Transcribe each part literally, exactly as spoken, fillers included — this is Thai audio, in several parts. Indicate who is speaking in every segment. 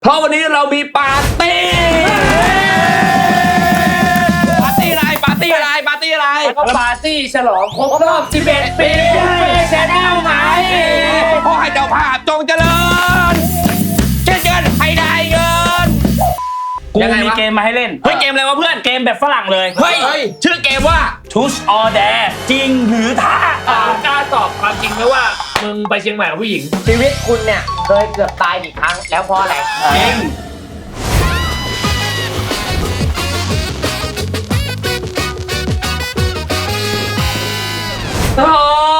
Speaker 1: เพราะวันนี้เรามีปาร์ตี้ปาร์ตี้อะไรปาร์ตี้อะไรปาร์ตี้อะไร
Speaker 2: ก็ปาร์ตี้ฉลองครบรอบสิบเอ็ดปีแชนแนลไหม
Speaker 1: ขอให้เจ้าภาพจงเจริญเช่นกันให้ได้เงิน
Speaker 3: กูมีเกมมาให้เล่น
Speaker 1: เฮ้ยเกมอะไรวะเพื่อน
Speaker 3: เกมแบบฝรั่งเลย
Speaker 1: เฮ้ยชื่อเกมว่า
Speaker 3: Truth or Dare จริงหรือท้าก
Speaker 2: ล้าตอบความจริงไหมว่ามึงไปเชียงใหม่กับผู้หญิง
Speaker 4: ชีวิตคุณเนี่ยเคยเกือบตายกี่ครั้งแล้วเพราะอะไร
Speaker 3: จริง
Speaker 1: โอ้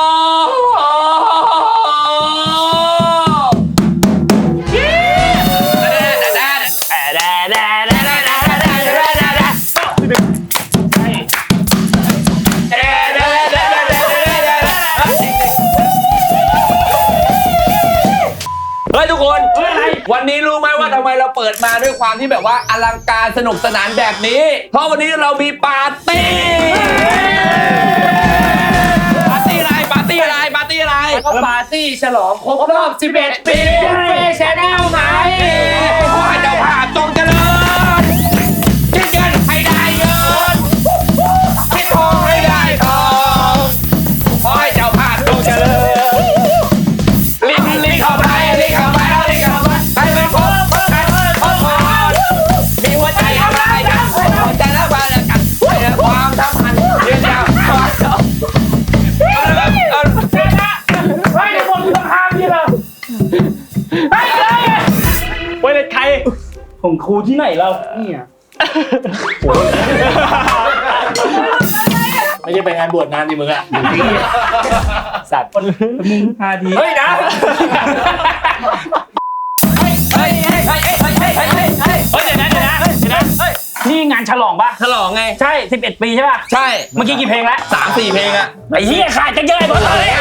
Speaker 1: เฮ้ยทุกคนวันนี้รู้ไหมว่าทำไมเราเปิดมาด้วยความที่แบบว่าอลังการสนุกสนานแบบนี้เพราะวันนี้เรามีปาร์ตี้ปาร์ตี้อะไรปาร์ตี้อะไรปาร์ตี้อะไร
Speaker 2: ก็ปาร์ตี้ฉลองครบรอบสิบเอ็ดปีแชนแนลไหม
Speaker 1: ขอให้เจ้าภาพจงเจริญเช่นกันให้ได้เงินคิดทองให้ได้ทองขอให้เจ้าภาพจงเจริญลิงลิงเข้าไปลิงเข้าไปลิงเข้าไปให้ไปครบครบครบครบมีหัวใจอะไรกันหัวใจแล้วมาแล้วกันความสัมพันธ์ยืนยาว
Speaker 2: เฮ้ยในบนต้องห้ามนี่เราเฮ้ยเลย
Speaker 3: ไว้เลยใครของครูที่ไหนเราเนี่ย
Speaker 2: ไม่ใช่ไปงานบวชงานดิมึงอะสัตว์
Speaker 3: มึงพาดี
Speaker 2: เฮ้ยนะ
Speaker 1: เฮ้ยเฮ้ยเฮ้ยเฮ้ยเฮ้ยเฮ้ยเฮ้ยเฮ้ยเฮ้ย
Speaker 3: เฮ้ยเดี๋ยวนะเดี๋ยวนะเดี๋ยวนะเฮ้ยนี่งานฉลองป่ะ
Speaker 1: ฉลองไง
Speaker 3: ใช่สิบเอ็ดปีใช่ป่ะ
Speaker 1: ใช่
Speaker 3: เมื่อกี้กี่เพลงแล้ว
Speaker 1: สามสี่เพลงอะ
Speaker 3: ไอ้เหี้ยขาดกันเยอะหมดเลย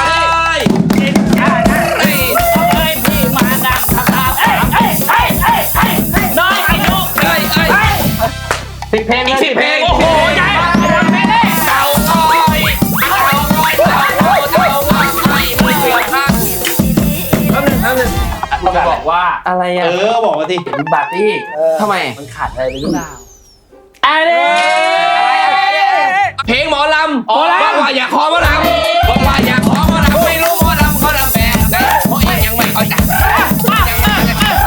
Speaker 3: เฮ้ยเฮ้ยพี่มาดักครับเฮ้ยเฮ้ยเฮ้ยเฮ้ยเฮ้ยน้อยไอ้นุ๊ก
Speaker 1: เฮ้ยเฮ้ยสิบเพลงอีกสิบเพลง
Speaker 3: โอ้โหใหญ่
Speaker 1: เต่าอ้อยเต่าอ้อยเต่าอ้อยเต่าอ้อยมือเสือข้างแป๊บนึงแป๊บนึง
Speaker 2: เราบอกว่า
Speaker 1: อะไรอ่ะ
Speaker 2: เออบอกมาสิเป็นปาร์ตี้
Speaker 1: ทำไม
Speaker 2: มันขาดอะไรไปหรือเปล่า
Speaker 3: อะไร
Speaker 1: เพลงหมอลำบอกว่าอย่าขอหมอลำบอกว่าอย่าขอหมอลำไม่รู้หมอลำเขาลำแบบไหนเพราะยังไม่เข้าใจยังไม่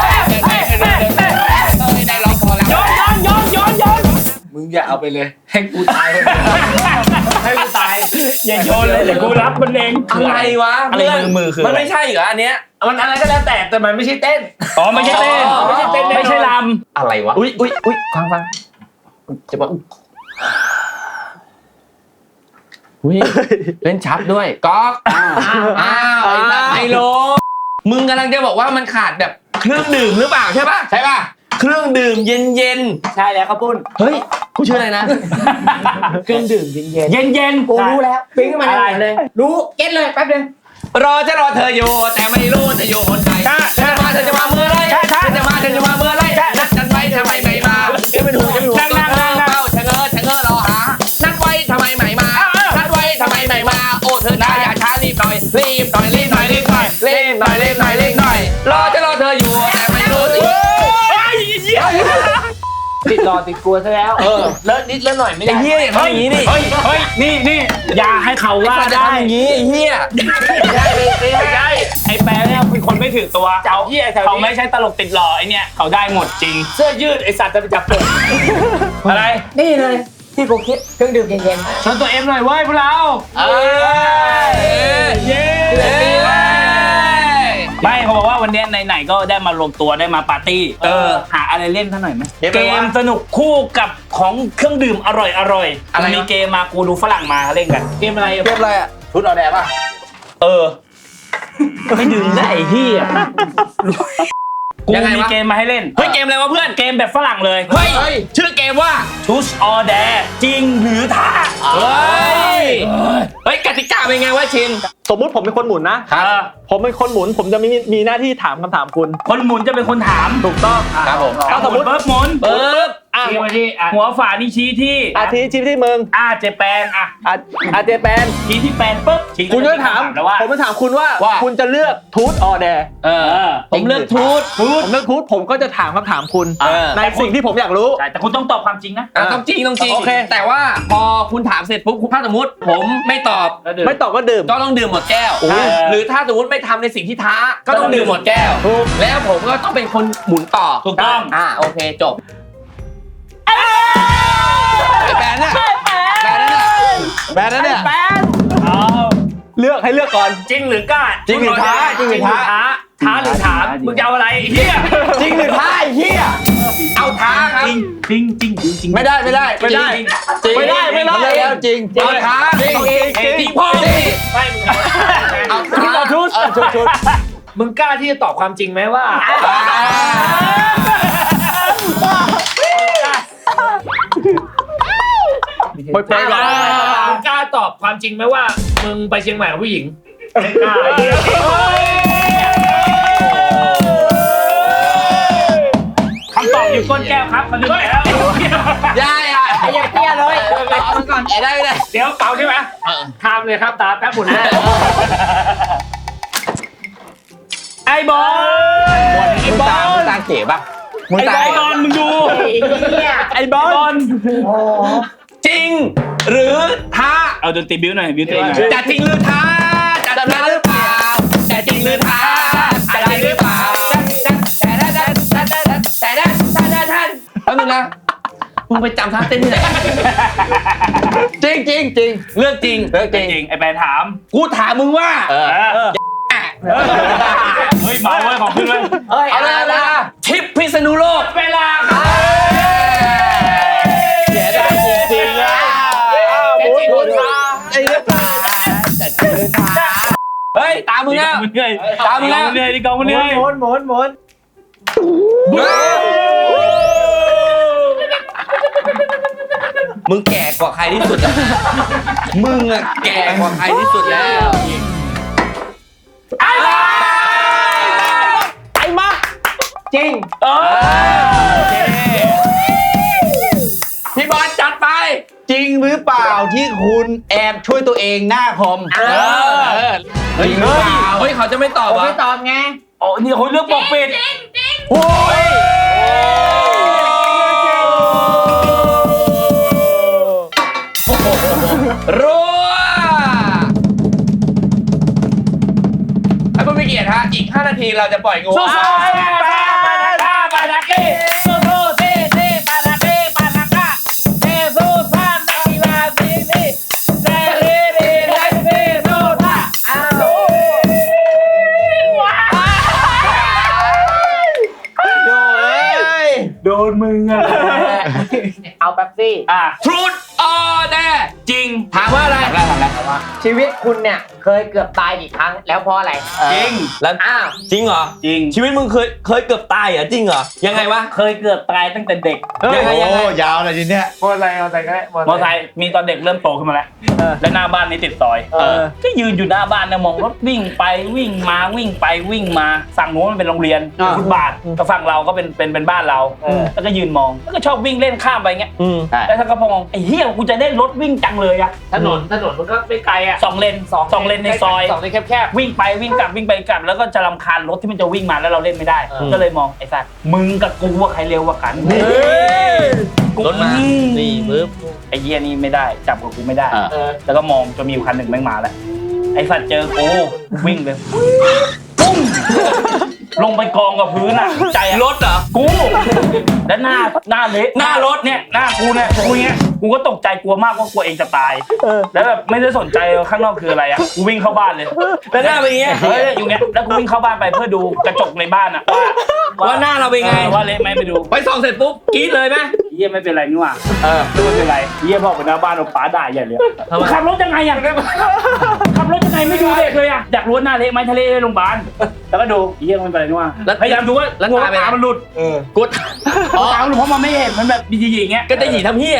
Speaker 1: ได้ลองพอแล้ว
Speaker 3: ย้อนย้อนย้อนย้อนย้อน
Speaker 2: มึงอย่าเอาไปเลยให้กูตายให้กูตาย
Speaker 3: อย่าโยนเลยเดี๋ยวกูรับมันเอง
Speaker 1: อะไรวะ
Speaker 3: อะไรมือมือคือ
Speaker 1: มันไม่ใช่เหรออันเนี้ย
Speaker 2: มันอะไรก็แล้วแต่แต่มันไม่ใช่เต้น
Speaker 3: อ๋อไม่ใช่เต้น
Speaker 2: ไม่ใช่เต้น
Speaker 3: ไม่ใช่ลำ
Speaker 1: อะไรวะอุ้ยอุ้ยอุ้ยฟังฟังจะบอกอุ้ยเล่นชัดด้วยก๊อกอ้าวไอ้โลมึงกำลังจะบอกว่ามันขาดแบบเครื่องดื่มหรือเปล่าใช่ป่ะใช่ป่ะเครื่องดื่มเย็นเย็น
Speaker 2: ใช่แล้วครับปุ้น
Speaker 1: เฮ้ยกูชื่ออะไรนะ
Speaker 2: เครื่องดื่มเย็นเย็น
Speaker 3: เย็นเย็น
Speaker 4: กูรู้แล้วปิ๊งขึ้นมาเลยรู้เก็ตเลยแป๊บนึง
Speaker 1: รอจะรอเธออยู่แต่ไม่รู้เธออยู่คนไหนเธอจะมาเธอจะมาเมื่อไรเธอจะมาเธอจะมาเมื่อไรนัดกันไว้ทำไมไม่มาเดี๋ยวไปดูจะไปดูนั่งนั่งนั่งเฝ้าชะเง้อชะเง้อรอหานัดไว้ทำไมไม่มานัดไว้ทำไมไม่มาโอ้เธอนะอย่าช้ารีบหน่อยรีบหน่อยรีบหน่อยรีบหน่อยรีบหน่อยรีบหน่อยรีบหน่อยรอจะรอเธออยู่แต่ไม่รู้
Speaker 2: ติดรอติดกลัวซะแล้วเออเลิศนิดเลิศหน่อยไม่ได้
Speaker 1: ไอ้เหี้ยอย่างนี้นี่
Speaker 3: เฮ้ยเฮ้ยนี่นี่อย่าให้เขาว่าได้
Speaker 1: อย่างนี้ไอ้เหี้ย
Speaker 2: ไม่ได้ไม่ได้
Speaker 3: ไอ้แปรเนี่ยเป็นคนไม่ถือตัวเขาเขาไม่ใช่ตลกติดหล่อไอ้เนี่ยเขาได้หมดจริง
Speaker 2: เสื้อยืดไอ้สัตว์จะไปจับเปิด
Speaker 3: อะไร
Speaker 4: นี่เลยที่กูคิดเครื่องดื่มเย็น
Speaker 3: ๆชวนตัวเอ็มหน่อยเว้ยพวกเรา
Speaker 1: เอ้ย
Speaker 3: เย้ไม่เขาบอกว่าวันนี้ไหนๆก็ได้มารวมตัวได้มาปาร์ตี้เออหาอะไรเล่นท่าหน่อยไหมเกมสนุกคู่กับของเครื่องดื่มอร่อยอร่อยมีเกมมากูดูฝรั่งมาเล่นกัน
Speaker 2: เกมอะไร
Speaker 1: เกมอะไรอ่ะ
Speaker 2: ชุดออแดร์ป่ะ
Speaker 3: เออไม่ดื่มได้ไอ้เหี้ยกูมีเกมมาให้เล่น
Speaker 1: เฮ้ยเกมอะไรวะเพื่อน
Speaker 3: เกมแบบฝรั่งเลย
Speaker 1: เฮ้ยชื่อเกมว่า
Speaker 3: Truth or Dare จริงหรือท้า
Speaker 1: เฮ้ยเฮ้ยกติกาเป็นไงวะชิน
Speaker 5: สมมุติผมเป็นคนหมุนนะครับผมเป็นคนหมุนผมจะมีมีหน้าที่ถามคำถามคุณ
Speaker 3: คนหมุนจะเป็นคนถาม
Speaker 5: ถูกต้อง
Speaker 1: ครับผม
Speaker 3: ถ้าสมมติเบิร์บหมุน
Speaker 1: เบิร์บ
Speaker 5: อ่ะ
Speaker 2: ชี้มาที่อ่ะ
Speaker 3: หัวฝานี่ชี้ที่
Speaker 5: อาทิชิปที่มึง
Speaker 3: อาเจแปนอ่ะ
Speaker 5: อาอาเจแปน
Speaker 3: ชี้ที่แปนปุ๊บ
Speaker 5: คุณจะถาม
Speaker 3: แล้วว่า
Speaker 5: ผมจะถามคุณว่า
Speaker 1: ว่า
Speaker 5: คุณจะเลือกทูตออแดร์
Speaker 1: เออผมเลือกทูต
Speaker 5: ทูตผมเลือกทูตผมก็จะถามคำถามคุณ
Speaker 1: เออ
Speaker 5: ในสิ่งที่ผมอยากรู้
Speaker 3: ใช่แต่คุณต้องตอบความจริงนะ
Speaker 1: อ่ะต้องจริงต้องจริง
Speaker 5: โอเค
Speaker 1: แต่ว่าพอคุณถามเสร็จปุ๊บถ้าสมมติผมไม่ตอบ
Speaker 5: ไม่ตอบก็ดื่ม
Speaker 1: ก็ต้องดื่มหมดแก้ว
Speaker 3: โอ้ย
Speaker 1: หรือถ้าสมมติไม่ทำในสิ่งที่ท้า ก็ต้องดื่มหมดแก้ว
Speaker 5: ถูก
Speaker 1: แล้วผมก็ต้องเป็นคนหมุนต่อ
Speaker 3: ถูกต้อง
Speaker 1: อ่าโอเคจบไอ้แบนเนี่ยแบนนั่นน่ะแบนนั่นเนี่ย
Speaker 3: เอา
Speaker 5: เลือกให้เลือกก่อน
Speaker 3: จริงหรือกล้า
Speaker 1: จริงหรือท้าจริงหรือท้า
Speaker 3: ท้าหรือถามมึงจะเอาอะไรเฮีย
Speaker 1: จริงหรือท้าไอ้เหี้ยเอาท้าครับ
Speaker 3: จริงจริงจริงจริงจริง
Speaker 1: ไม่ได้ไม่ได้
Speaker 5: ไม่ได้
Speaker 1: จริง
Speaker 5: ไม่ได้ไม่ได้
Speaker 1: นเแล้วจริงเอาท้าจริง
Speaker 5: จริงจริง
Speaker 1: จริงพ่อจริง
Speaker 2: ไม่มึง
Speaker 1: เอาท้า
Speaker 5: เอาชุดเออชุดชุด
Speaker 2: มึงกล้าที่จะตอบความจริงไหมว่า
Speaker 5: ไปไปก่อน
Speaker 2: มึงกล้าตอบความจริงไหมว่า มึงไปเชียงใหม่กับผู้หญิงไม่กล้า
Speaker 3: คำตอบอยู่ก้นแก้วครับมันลืมไปแล้ว
Speaker 1: ยายอ่ะ
Speaker 4: ไอ้ยังเตี้ยเลย
Speaker 1: เอามันก่อนได้ไม่ได้
Speaker 2: เดี๋ยวเปล่าใช่ไหมทำเลยครับตาแป๊บหมุนนะ
Speaker 3: ไอ้บอล
Speaker 1: ไอ้บอลมึงตาเก๋ป่ะมึง
Speaker 3: ไอ้
Speaker 1: ตา
Speaker 3: บอลมึงดู
Speaker 4: เนี่ย
Speaker 5: ไอ้บอล
Speaker 1: จริง หรือท้า
Speaker 3: เอาดนตรีบิ้วหน่อยบิ้วตัวเองหน่อย
Speaker 1: จะจริงหรือท้าจะท้าหรือเปล่าจะจริงหรือท้าจะจริงหรือเปล่าแต่แต่แต่แต่แต่แต่แต่แต่แต่แล้วนึงนะมึงไปจำท่าเต้นที่ไหนจริงจริงจริงเรื่องจริงเรื่องจ
Speaker 3: จ
Speaker 1: ริง
Speaker 3: ริงไอ้แปนถาม
Speaker 1: กูถามมึงว่า
Speaker 3: เออเฮ้ยมาเว้ยของขึ้นเลย
Speaker 4: เอ้ย
Speaker 1: เอาเลยเอาเลยทิปพิษณุโลก
Speaker 2: เวลาครับ
Speaker 1: เสียดายจริงๆนะ
Speaker 2: จะจริงหรือท้า
Speaker 1: ไอ้เรื่องเฮ้ยตามมึงแล้ว
Speaker 3: มึงเหนื่อย
Speaker 1: ตามมึงแล้ว
Speaker 3: เหนื่อยดิกองมึงเหนื่อย
Speaker 2: หมุนหมุนหมุน
Speaker 1: มึงแก่กว่าใครที่สุดอะมึงอะแก่กว่าใครที่สุดแล้ว
Speaker 5: ไอ้มัก
Speaker 4: จริง
Speaker 3: เออ
Speaker 1: พี่บอลจัดไป
Speaker 6: จริงหรือเปล่าที่คุณแอบช่วยตัวเองหน้าคอม
Speaker 1: เออจริงหรือเปล่าเฮ้ยเขาจะไม่ตอบ
Speaker 4: ผม
Speaker 1: วะ
Speaker 4: ไม่ตอบไง
Speaker 3: โอ้นี่เขาเลือกปกปิด
Speaker 1: โอ้ยรัวให้ผู้มีเกียรติฮะอีกห้านาทีเราจะปล่อยงู
Speaker 2: สู้ๆปาปานาก้าปานาเก้สู้ๆเซ่เซ่ปานาเก้ปานาก้าเซ่สู้ซ่านักกีฬาซีซีเซ่เร่เร่เร่เซ่สู้ซ่าอ้าวว้าว
Speaker 3: โดนมึงอ่ะ
Speaker 4: เอาแป๊บซี่
Speaker 3: อ่ะ
Speaker 1: ทรูดออแน่
Speaker 3: จริง
Speaker 1: ถามว่าอะไรถามอะไรถามอะไร
Speaker 4: ชีวิตคุณเนี่ยเคยเกือบตายกี่ครั้งแล้วเพราะอะไร
Speaker 3: จริง
Speaker 1: แล้ว
Speaker 4: อ้าว
Speaker 1: จริงเหรอ
Speaker 3: จริง
Speaker 1: ชีวิตมึงเคยเคยเกือบตายเหรอจริงเหรอยังไงวะ
Speaker 3: เคยเกือบตายตั้งแต่เด็ก
Speaker 1: ยังไงยังไง
Speaker 6: โอ้ยาวเลยทีเนี้ย
Speaker 2: มอไซค์มอไซค์ก็ได้มอ
Speaker 3: มอไซค์มีตอนเด็กเริ่มโตขึ้นมาแล้ว และหน้าบ้านนี้ติดซอย
Speaker 5: เออ
Speaker 3: ก็ยืนอยู่หน้าบ้านนะมองรถวิ่งไปวิ่งมาวิ่งไปวิ่งมาฝั่งโน้นมันเป็นโรงเรียน
Speaker 5: อ่า
Speaker 3: ฟุตบาทแต่ฝั่งเราก็เป็นเป็นเป็นบ้านเรา แล้วก็ยืนมองแล้วก็ชอบวิ่งเล่นข้ามไปเงี้ย
Speaker 5: อืม
Speaker 3: แล้วถ้าก็พอมองไอ้เหี้ยกูจะได้รถวิ่งจังเลยอะ
Speaker 2: ถนนถนนมันก็ไม่ไกลอ่ะ
Speaker 3: สองเลนสองสองเลนในซอย
Speaker 2: สองเลนแคบ
Speaker 3: วิ่งไปวิ่งกลับวิ่งไปกลับ แล้วก็จะรำคาญรถที่มันจะวิ่งมาแล้วเราเล่นไม่ได้
Speaker 2: เออ
Speaker 3: ก็เลยมองไอ้สัตว์มึงกับกูว่าใครเร็วกว่ากันกู
Speaker 1: รถมานี่ปึ๊บ
Speaker 3: ไอ้เหี้ยนี่ไม่ได้จับกับกูไม่ได้
Speaker 1: อ่า
Speaker 2: ๆเออ
Speaker 3: แล้วก็มองจนมีอยู่คันหนึ่งแม่งมาแล้วไอ้สัตว์เจอกูวิ่งเลยปุ้งลงไปกองกับพื้นอ่ะใจอะ
Speaker 1: รถเหรอ
Speaker 3: กูแล้วหน้าหน้าเละ
Speaker 1: หน้ารถ
Speaker 3: เนี่ยหน้ากูเนี่ยกูเนี้ยกูก็ตกใจกลัวมากว่ากลัวเองจะตาย
Speaker 5: เออ
Speaker 3: แล้วแบบไม่ได้สนใจข้างนอกคืออะไรอ่ะกูวิ่งเข้าบ้านเลย
Speaker 1: แล้วหน้าเป็นอย่างเงี้ย
Speaker 3: เฮ้ยอยู่เงี้ยแล้วกูวิ่งเข้าบ้านไปเพื่อดูกระจกในบ้านอ่ะว่า
Speaker 1: ว่าหน้าเราเป็นไง
Speaker 3: ออว่าเละไหมไปดู
Speaker 1: ไปส่องเสร็จปุ๊บกรี๊ดเลยไหม
Speaker 3: เยี่ยไม่เป็นไรนี่หว่า
Speaker 1: เออ
Speaker 3: ไม่เป็นไรเยี่ยพ่อไปหน้าบ้านเอาป๋าด่าใหญ่เลย
Speaker 1: ทำไม
Speaker 3: ขับรถยังไงอ่ะขับรถยังไงไม่ดูเด็กเลยอ่ะอยากรู้ว่าหน้าเละไหมทะเลโรงพยาบาลแล้วก็ดูเยี่ยไม่เป็นไรนี่หว่าพยายามดูว่า
Speaker 1: แล้ว
Speaker 3: กลัว
Speaker 1: ตาเป็นไง
Speaker 3: ตามันหลุด
Speaker 1: กู
Speaker 3: ตามันหลุดเพราะมันไม่เห็นมันแบบดีๆอย่างเงี้ย
Speaker 1: ก็จะหยีทำเหี้ยนะ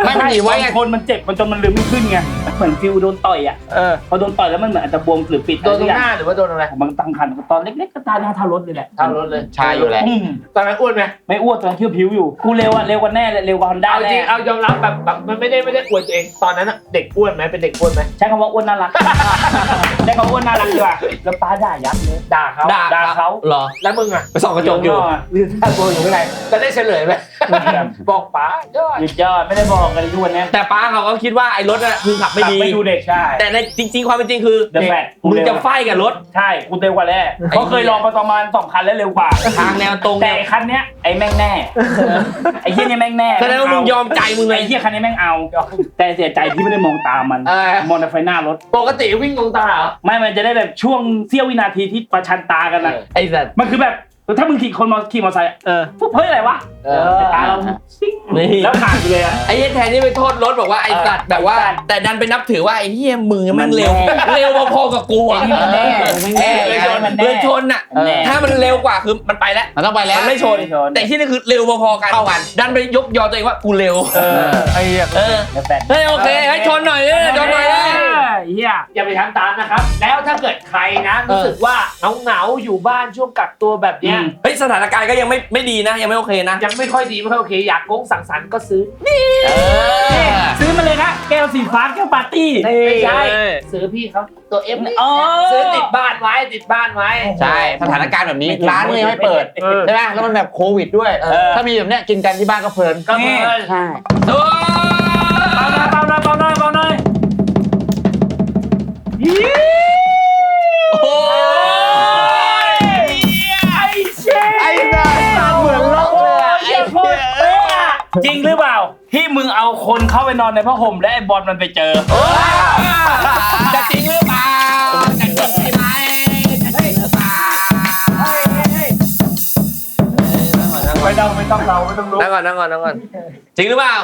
Speaker 1: ไม่มันหนีไว้ไง
Speaker 3: บางคนมันเจ็บมันจนมันลืมไม่ขึ้นไงเหมือนฟิวโดนต่อยอ่ะ
Speaker 5: เออ
Speaker 3: พอโดนต่อยแล้วมันเหมือนอาจจะบวมหรือปิด
Speaker 2: โดนตรงหน้าหรือว่าโดนอะไร
Speaker 3: มันตั้งคันตอนเล็กๆก็ตาหน้าเท่ารถเลยแหละ
Speaker 2: เท่ารถเลย
Speaker 6: ใช่อยู่แล้ว
Speaker 3: อืม
Speaker 2: ตอนนั้นอ้วนไหม
Speaker 3: ไม่อ้วนตอนเที่ยวผิวอยู่กูเร็วอ่ะเร็วกว่าแน่เลยเร็วกว่าฮอนด้า
Speaker 2: เอาจ
Speaker 3: แน่
Speaker 2: ริงเอายอมรับแบบแบบมันไม่ได้ไม่ได้อวดตัวเองตอนนั้นอะเด็กอ้วนไหมเป็นเด็กอ้วนไหม
Speaker 3: ใช้คำว่าอ้วนน่ารัก ใช้คำว่าอ้วนน่ารักดีกว่าแล้วป้าด่ายับเลย
Speaker 2: ด่าเขา
Speaker 3: ด่าด่าเขา
Speaker 6: เหรอ
Speaker 2: แล้วมึงอะ
Speaker 6: ไปส่องกระจกอยู่
Speaker 3: ยืนท่าโบอยู่ข้างใน
Speaker 2: จะได้เฉลยไหมบอกป๋ายอด
Speaker 3: ยืดยอดไม่ได้บอกกันทุกวันนี้
Speaker 1: แต่ป้าเขาก็คิดว่าไอ้รถน่ะคือขับไม่ดี
Speaker 3: ไม่ดูเด็กใช่
Speaker 1: แต่ในจริง ๆ ความเป็นจริงคือ
Speaker 3: เดอะแฟต
Speaker 1: มึงจะไฟกับรถ
Speaker 3: ใช่กูเร็วกว่าแน่เพราะเคยลองมาประมาณสองคันแล้วเร็วกว่า
Speaker 1: ทางแนวตรง
Speaker 3: แต่ไอ้คันเนี้ยไอ้แม่งแน่ไอ้เฮียเนี่ยแม่งแน่
Speaker 1: แสดงว่ามึงยอมใจมึงเลย
Speaker 3: ไอ้เฮียคันนี้แม่งเอา แต่เสียใจที่ไม่ได้มองตามมัน
Speaker 2: เออ
Speaker 3: มองแต่ไฟหน้ารถ
Speaker 2: ปกติวิ่งลงตาเหรอ
Speaker 3: ไม่มันจะได้แบบช่วงเสี้ยววินาทีที่ประชันตากันนะ
Speaker 1: ไอ้สัตว์
Speaker 3: มันคือแบบถ้ามึงขี่คนมอขี่มอเตอร์ไซค์อะ
Speaker 5: เออ
Speaker 3: ปุ๊บเฮ้ยอะไรวะ
Speaker 2: เออ
Speaker 3: แต่ตาเราซิ่ง
Speaker 1: นี่
Speaker 3: แล้วขาดไปเลยอะ
Speaker 1: ไอ้เหี้ยแทนที่ไปโทษรถบอกว่าไอ้สัตว์แบบว่า
Speaker 3: ไอ้สัตว์
Speaker 1: แต่ดันไปนับถือว่าไอ้เหี้ยมึงแม่งเร็ว
Speaker 3: มันแน่
Speaker 1: เร็วพอๆกับกูอ่ะ
Speaker 3: ไอ้นี่มันแน่มันแน่
Speaker 1: เลยชน
Speaker 3: มันแน่
Speaker 1: เลยชนอ่ะ
Speaker 3: มันแน่
Speaker 1: ถ้ามันเร็วกว่าคือมันไปแล้ว
Speaker 6: มันต้องไปแล้ว
Speaker 1: มันไม่ชน
Speaker 3: ไม่ชน
Speaker 1: แต่ที่นี่คือเร็วพอๆกัน
Speaker 6: เท่ากัน
Speaker 1: ดันไปยกยอตัวเองว่ากูเร็ว
Speaker 3: เออ
Speaker 5: ไอ้เหี้ย
Speaker 1: เออ
Speaker 3: เดี๋ยวแฟน
Speaker 1: เฮ้ยโอเคให้ชนหน่อยเลยชนหน่อยเลย
Speaker 3: เฮีย
Speaker 2: อย่าไปทำตามนะครับ แล้วถ้าเกิดใครนะรู้สึกว่าเหงาๆอยู่บ้านช่วงกักตัวแบบเนี้ย
Speaker 1: เฮ้ยสถานการณ์ก็ยังไม่ไม่ดีนะยังไม่โอเคนะ
Speaker 2: ยังไม่ค่อยดีไม่ค่อยโอเคอยากโก้งสังสรรค์ก็ซื้อ
Speaker 1: เออ
Speaker 3: ซื้อมาเลยนะแก้วสีฟ้าแก้วปาร์ตี้
Speaker 2: ไม่ใช่
Speaker 5: เออ
Speaker 2: ซื้อพี่เขาตัวเอฟนี่
Speaker 3: อ๋อ
Speaker 2: ซื้อติดบ้านไว้ติดบ้านไว้
Speaker 6: ใช่สถานการณ์แบบนี้
Speaker 3: ไม่ถึง
Speaker 6: ร้านก็ยังไม่เปิด
Speaker 5: เออ
Speaker 6: ใช่ไหมแล้วมันแบบโควิดด้วย
Speaker 3: เออ
Speaker 6: ถ้ามีแบบเนี้ยกินกันที่บ้านก็เพลิน
Speaker 2: ก็เพลิน
Speaker 6: ใช่
Speaker 1: โอ้
Speaker 3: เบาหน่อยเบาหน่อยเบาหน่อยเบาหน่อย
Speaker 1: โห
Speaker 3: ไอ้เชฟ
Speaker 6: ไอ้น่าเหมือนล็อกเลยอะ
Speaker 3: ไอ้โคตรเป๊ะอะจริงหรือเปล่าที่มึงเอาคนเข้าไปนอนในผ้าห่มและไอ้บอลมันไปเจอ
Speaker 1: จะจริงหรือเปล่าจะจริงใช่ไหมจะจริงหรือเปล่า
Speaker 3: ไม่ต้องไม่ต้องเราไม่ต้องรู้
Speaker 1: นั่งก่อนนั่งก่อนนั่งก่อนจริงหรือเปล่า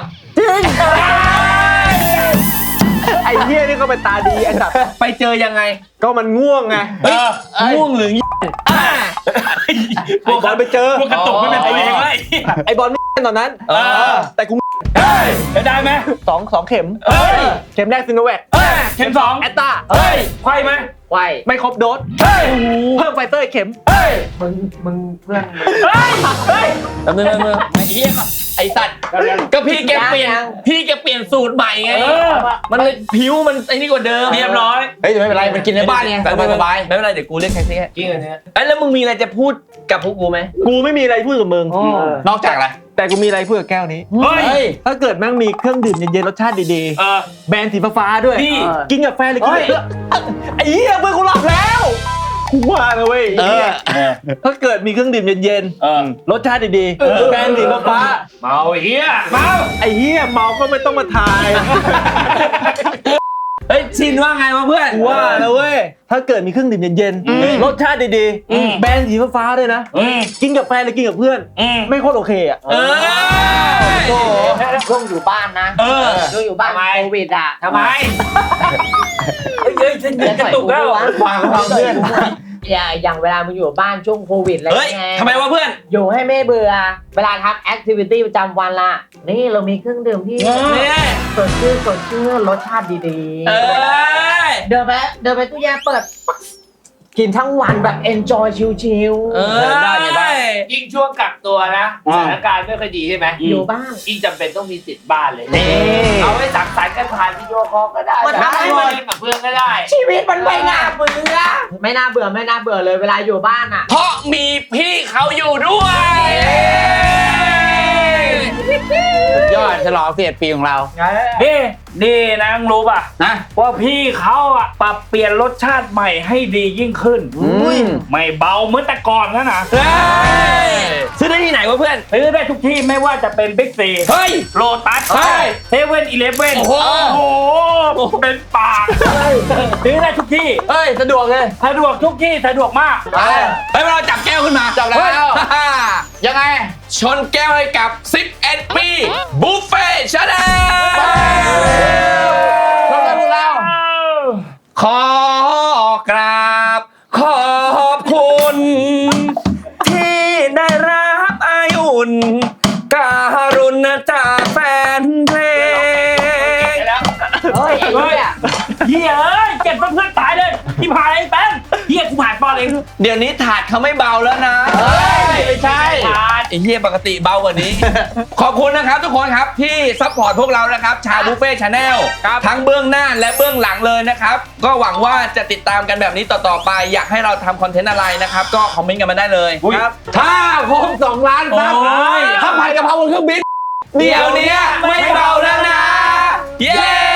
Speaker 5: ไอ้เหี้ยนี่ก็เป็นตาดีไอ้สัตว์
Speaker 1: ไปเจอยังไง
Speaker 5: ก็มันง่วงไง
Speaker 1: เฮ้ยง่วงหรืออ่า
Speaker 5: ไอ้บอลไปเจอ
Speaker 3: พวกกระตุกไม่เป็นตัวเองเลย
Speaker 5: ไอ้บอลไม่ตอนนั้น
Speaker 1: เออ
Speaker 5: แต่กู
Speaker 3: เฮ้ยได้ไหม
Speaker 5: สองสองเข็ม
Speaker 3: เฮ้ย
Speaker 5: เข็มแรกซิโนแวค
Speaker 3: เฮ้ยเข็มสอง
Speaker 5: แอตตา
Speaker 3: เฮ้ยไขว้ไหม
Speaker 2: ไหว
Speaker 5: ไม่ครบโดส
Speaker 3: เฮ้ย
Speaker 5: เพิ่มไฟเตอร์อีกเข็ม
Speaker 3: เฮ้ย
Speaker 2: มึงมึงเพื่อน
Speaker 3: เฮ้ยเฮ้ย
Speaker 1: แป๊บนึงแป๊บนึงไอ้เหี้ยไอ้สัตว์ก็พี่แกเปลี่ยนพี่แกเปลี่ยนสูตรใหม่ไง
Speaker 3: เออ
Speaker 1: มันเลยผิวมันไอ้นี่กว่าเดิม
Speaker 3: เรียบร้อย
Speaker 6: เฮ้ยแต่ไม่เป็นไรมันกินในบ้านไงสบายสบาย
Speaker 1: ไม่เป็นไรเดี๋ยวกูเรียกแท็กซี่ให้
Speaker 2: จริงเหรอเนี่ย
Speaker 1: เอ้ยแล้วมึงมีอะไรจะพูดกับพวกกูไหม
Speaker 5: กูไม่มีอะไรพูดกับมึง
Speaker 6: นอกจากอะไร
Speaker 5: แต่กูมีอะไรพูดกับแก้วนี้
Speaker 3: เฮ้ย
Speaker 6: เฮ้ย
Speaker 5: ถ้าเกิดแม่งมีเครื่องดื่มเย็นๆรสชาติดี
Speaker 3: เออ
Speaker 5: ๆ แบรนด์สีฟ้าๆด้วย
Speaker 3: นี่
Speaker 5: กินกับแฟนหรือกินกับเพื่อนไอ้เหี้ยเพื่อนกูหลับแล้วกูว่านะเว้ย
Speaker 6: เออ
Speaker 5: ถ้าเกิดมีเครื่องดื่มเย็น
Speaker 3: เออ
Speaker 5: ๆรสชาติดีๆแบรนด์สีฟ้า
Speaker 3: เมาเฮียเมา
Speaker 5: ๆไอ้เหี้ยเมาก็ไม่ต้องมาทาย
Speaker 1: เฮ้ยชินว่าไงวะเพื่อน
Speaker 5: กูว่านะเว้ยถ้าเกิดมีเครื่องดื่มเย็นๆรสชาติดี
Speaker 3: อืม
Speaker 5: ๆแบรนด์สีฟ้าๆด้วยนะ
Speaker 3: อืม
Speaker 5: กินกับแฟนหรือกินกับเพื่อน
Speaker 3: อืม
Speaker 5: ไม่โคตรโอเคอ่ะ
Speaker 1: เออ
Speaker 5: โอ้โห
Speaker 4: ช่วงอยู่บ้านนะ
Speaker 3: เออ
Speaker 4: ช่วงอยู่บ้าน
Speaker 2: ทำไม
Speaker 4: โควิดอ่ะ
Speaker 2: ทำไม
Speaker 3: เฮ้ยเฮ้ยฉันกระตุกแล้ว
Speaker 6: ฟังฟังเพื่อน
Speaker 4: อย่าอย่างเวลามึงอยู่บ้านช่วงโควิดอะไร
Speaker 1: เฮ้ย
Speaker 4: ไง
Speaker 1: ทำไมวะเพื่อน
Speaker 4: อยู่ให้ไม่เบื่อ เวลาทำแอคทิวิตี้ประจำวันละนี่เรามีเครื่องดื่มที่
Speaker 3: เออ
Speaker 1: เนี่ย
Speaker 4: สดชื่นสดชื่นรสชาติดี
Speaker 1: เออ
Speaker 4: ๆ เดินไปเดินไปตู้แช่เปิด กินทั้งวันแบบ enjoy ชิล
Speaker 1: เออ
Speaker 6: ได้ไงบ้าง
Speaker 2: ยิ่งช่วงกักตัวนะสถานการณ์ไม่ค่อยดีใช่ไหม
Speaker 4: ๆ อยู่บ้าน
Speaker 2: ยิ่งจำเป็นต้องมีติดบ้านเลย
Speaker 5: นี่
Speaker 2: เอาไว้สังสรรค์กันผ่านวิดีโอคอลก็ได้
Speaker 4: มันทำให้
Speaker 2: มาเล่นกับเพื่อนก็ได้
Speaker 4: ชีวิตมันไม่น่าเบื่อ ไม่น่าเบื่อไม่น่าเบื่อเลยเวลาอยู่บ้านอ่ะ
Speaker 1: เพราะมีพี่เขาอยู่ด้วย
Speaker 6: สุดยอดฉลองเสียดปีของเรา
Speaker 3: นี่นี่นะมึงรู้ป่ะ
Speaker 6: นะ
Speaker 3: ว่าพี่เขาอะปรับเปลี่ยนรสชาติใหม่ให้ดียิ่งขึ้น
Speaker 6: อุ้ย
Speaker 3: ไม่เบาเหมือนแต่ก่อนแล้วนะ
Speaker 1: เฮ้ยซื้อได้ที่ไหนวะเพื่อน
Speaker 3: ซื้อได้ทุกที่ไม่ว่าจะเป็นบิ๊กซี
Speaker 1: เฮ้ย
Speaker 3: โลตัส
Speaker 1: เฮ้ย
Speaker 3: เซเว่นอีเลฟเว่น
Speaker 1: โอ้โห
Speaker 3: โอ้โหเป็นปากซื้อได้ทุกที่
Speaker 6: เฮ้ยสะดวกเลย
Speaker 3: สะดวกทุกที่สะดวกมาก
Speaker 1: เฮ้ยเราจับแก้วขึ้นมา
Speaker 6: จับแล้ว
Speaker 1: เฮ้ย
Speaker 6: ยังไง
Speaker 1: ชนแก้วให้กับสิบเอ็ดปีบุฟเฟ่ชาแนล
Speaker 6: ชมกันพวกเรา
Speaker 1: ขอกราบขอบคุณ ที่ได้รับอายุนการุณจากแฟนเพลง
Speaker 3: ยเพื่อนๆตายเลยที่ผ่านไอ้แป้งเฮียกูผ่านปอนเอง
Speaker 1: เดี๋ยวนี้ถาดเขาไม่เบาแล้วนะ
Speaker 6: เฮ้ยไม่ใช่
Speaker 1: ไอ้เหี้ยปกติเบากว่านี้ ขอบคุณนะครับทุกคนครับที่ซัพพอร์ตพวกเรานะครับชาบุฟเฟ่ชาแนลทั้งเบื้องหน้าและเบื้องหลังเลยนะครับก็หวังว่าจะติดตามกันแบบนี้ต่อๆไปอยากให้เราทำคอนเทนต์อะไรนะครับก็คอมเมนต์กันมาได้เลย
Speaker 6: ครับ
Speaker 1: ถ้าครบสองล้านซับ
Speaker 3: โอ้ย
Speaker 1: ถ้าผัดกะเพราบนเครื่องบินเดี๋ยวนี้ไม่เบาแล้วนะ เย้